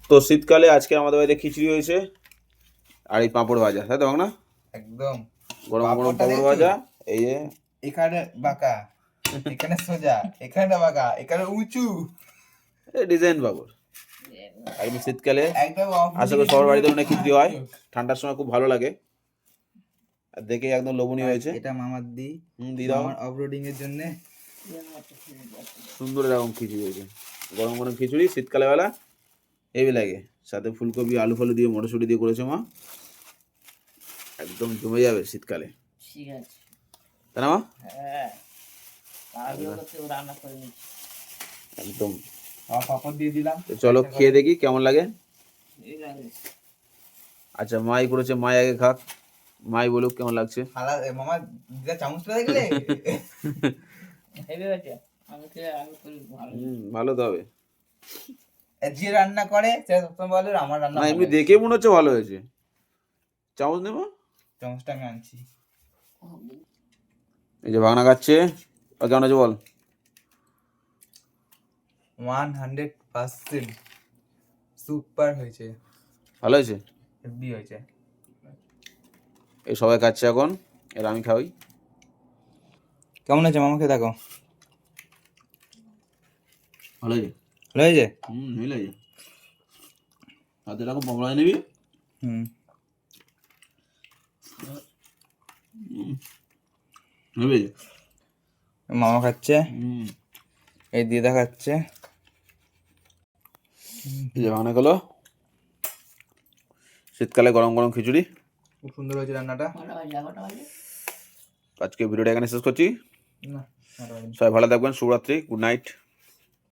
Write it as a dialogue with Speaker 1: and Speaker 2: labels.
Speaker 1: তো শীতকালে আজকে আমাদের বাড়িতে খিচুড়ি হয়েছে আর এই পাঁপড় ভাজা, তাই তো না?
Speaker 2: একদম
Speaker 1: গরম গরম পাঁপড় ভাজা। এই যে
Speaker 2: এখানে বাঁকা, এখানে সোজা, এখানে বাঁকা, এখানে উঁচু,
Speaker 1: ডিজাইন পাঁপড় একদম শীতকালে।
Speaker 2: একদম
Speaker 1: আশা করি সবার বাড়িতে অনেক খিচুড়ি হয়, ঠান্ডার সময় খুব ভালো লাগে আর দেখে একদম লোভনীয় হয়েছে।
Speaker 2: এটা মামার দি
Speaker 1: দি দাও
Speaker 2: আমার অফরোডিং এর জন্য।
Speaker 1: সুন্দর এরকম খিচুড়ি হয়েছে, গরম গরম খিচুড়ি শীতকালে বেলা হেভি লাগে। সাথে ফুলকপি আলু ফালু দিয়ে মটরশুঁটি দিয়ে করেছে মা, একদম জমে যাবে শীতকালে,
Speaker 3: ঠিক আছে।
Speaker 1: তাই না মা?
Speaker 3: হ্যাঁ, রান্না করে নিচ্ছি
Speaker 1: একদম।
Speaker 2: পাপড় দিয়ে দিলাম,
Speaker 1: তো চলো খেয়ে দেখি কেমন লাগে।
Speaker 3: এই লাগে।
Speaker 1: আচ্ছা মাই করেছে, মাই আগে খাক, মাই বলুক কেমন লাগছে।
Speaker 2: মামা দিদা চামচটা দেখলে
Speaker 3: হেভি আছে। আমি করি ভালো।
Speaker 1: ভালো তো হবে।
Speaker 2: যে রান্না করে সে সবসময় বলে আমার রান্না
Speaker 1: না
Speaker 2: ভালো
Speaker 1: এমনি
Speaker 2: হয়েছে।
Speaker 1: দেখে মনে হচ্ছে ভালো হয়েছে। চামচ নেবো,
Speaker 2: চামচটা আমি আনছি।
Speaker 1: এই যে ভাগনা খাচ্ছে, আর কেমন আছে বল।
Speaker 2: 100% সুপার হয়েছে,
Speaker 1: ভালো হয়েছে,
Speaker 2: হেভি হয়েছে।
Speaker 1: এই সবাই খাচ্ছে এখন, এর আমি খাওয়াই।
Speaker 2: কেমন আছে মামাকে দেখো,
Speaker 1: ভালো হয়েছে।
Speaker 2: ভালো হয়েছে?
Speaker 1: ভালো হয়েছে। হাতে এরকম পকড়া নিবি।
Speaker 2: মামা খাচ্ছে, এই দিদা খাচ্ছে।
Speaker 1: এই যে ভাগনা গেলো, শীতকালে গরম গরম খিচুড়ি,
Speaker 2: খুব সুন্দর হয়েছে রান্নাটা।
Speaker 1: আজকে ভিডিওটা এখানে শেষ করছি।
Speaker 2: না,
Speaker 1: সবাই ভালো থাকবেন, শুভরাত্রি, গুড নাইট।